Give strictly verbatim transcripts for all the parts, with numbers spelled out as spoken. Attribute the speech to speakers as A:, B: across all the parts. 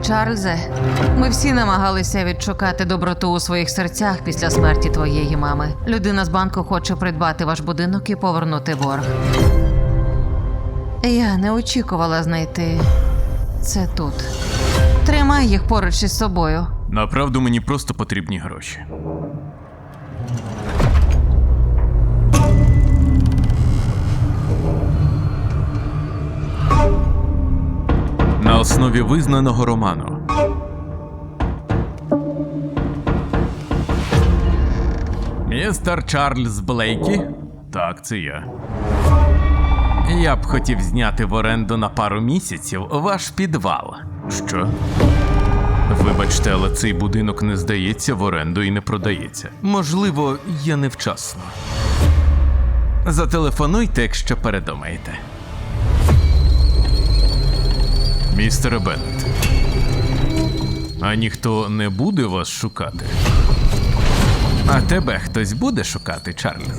A: Чарльзе, ми всі намагалися відшукати доброту у своїх серцях після смерті твоєї мами. Людина з банку хоче придбати ваш будинок і повернути борг. Я не очікувала знайти це тут. Тримай їх поруч із собою.
B: Направду мені просто потрібні гроші. На основі визнаного роману. Містер Чарльз Блейкі? Так, це я. Я б хотів зняти в оренду на пару місяців ваш підвал. Що? Вибачте, але цей будинок не здається в оренду і не продається. Можливо, я невчасно. Зателефонуйте, якщо передумаєте. Містере Беннет, а ніхто не буде вас шукати? А тебе хтось буде шукати, Чарльзе?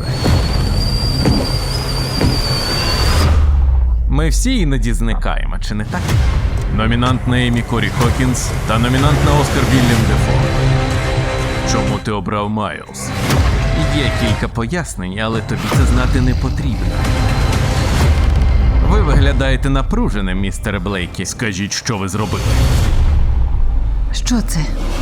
B: Ми всі іноді зникаємо, чи не так? Номінант на Еммі Корі Хокінс та номінант на Оскар Вільям Дефо. Чому ти обрав Майлз? Є кілька пояснень, але тобі це знати не потрібно. Ви виглядаєте напруженим, містере Блейкі. Скажіть, що ви зробили?
A: Що це?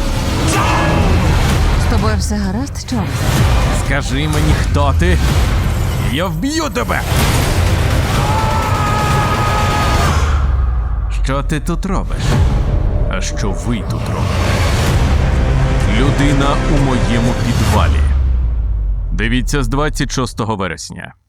A: З тобою все гаразд, Чарльзе?
B: Скажи мені, хто ти? Я вб'ю тебе! Що ти тут робиш? А що ви тут робите? Людина у моєму підвалі. Дивіться з двадцять шостого вересня.